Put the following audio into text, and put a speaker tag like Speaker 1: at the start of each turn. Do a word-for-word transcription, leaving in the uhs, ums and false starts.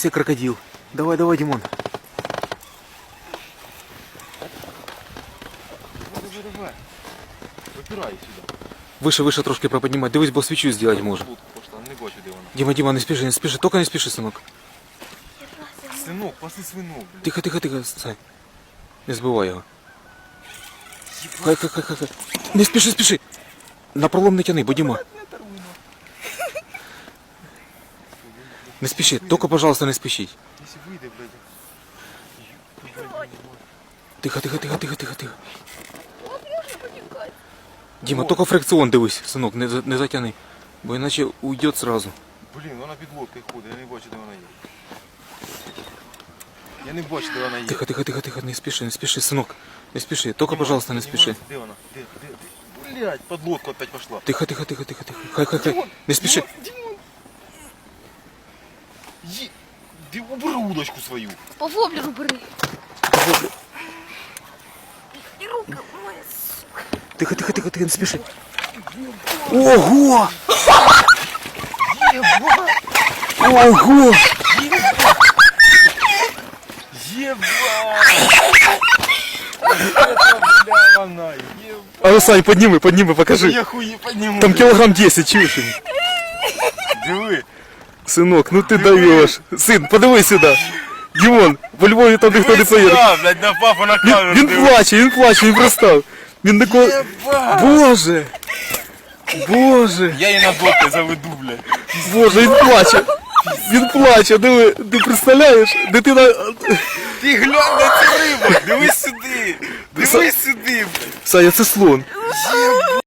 Speaker 1: себе крокодил. Давай, давай, Димон.
Speaker 2: Давай, давай. Випирай сюди.
Speaker 1: Выше, выше трошки проподнимать. Дивись, бо свічу зробити може.
Speaker 2: Лодку пошла, не бачу, де вона.
Speaker 1: Дима, Дима, не спеши, не спеши. Только не спеши, сынок.
Speaker 2: Синок, паси свинок, блядь.
Speaker 1: Тихо, тихо, тихо, Сань. Не збивай його. Хай, хай, хай, хай, хай. Не спіши, спіши. На пролом не тяни, бо Діма. Не спіши, тільки, пожалуйста, не спішіть.
Speaker 2: Якщо вийде, блядь.
Speaker 1: Тихо, тихо, тихо, тихо, тихо, тихо. Діма, тільки фрикціон дивись, синок, не, за- не затяни. Бо іначе уйде сразу.
Speaker 2: Блін, вона під лодкою ходить, я не бачу, де вона є. Я не бачу, де вона є.
Speaker 1: Тихо, тихо, тихо, тихо, не спіши, не спіши, синок. Не спіши, тільки, пожалуйста, не спіши.
Speaker 2: Де вона? Де, де, де? Блядь, під лодку опять пошла.
Speaker 1: Тихо, тихо, тихо, тихо, тихо. Хай, хай, хай. Не спіши.
Speaker 2: Димон! Є... Ти убери удочку свою.
Speaker 3: По воблеру бери. І руки моя.
Speaker 1: Тихо, тихо, тихо, тихо, не спіши. Ого! Ого!
Speaker 2: Єба! Это, бля, вона, єба!
Speaker 1: А ну, Сань, подніми, подніми, покажи.
Speaker 2: Я хуї підніму.
Speaker 1: Там кілограм десять, чуєш?
Speaker 2: Диви.
Speaker 1: Синок, ну ти даєш. Син, подивись сюди. Дімон, по Львові там ніхто не поїде.
Speaker 2: Да, блядь, на папу на
Speaker 1: Він,
Speaker 2: камеру.
Speaker 1: він плаче, він плаче, він пристав. Він такой...
Speaker 2: Єба!
Speaker 1: Боже! Боже!
Speaker 2: Я її на доки заведу, блядь.
Speaker 1: Боже, він плаче! Він плаче, диви, ти представляєш? Дитина...
Speaker 2: Ти глянь на цю рибу, дивись сюди. Дивись сюди, блядь.
Speaker 1: Саня, це слон.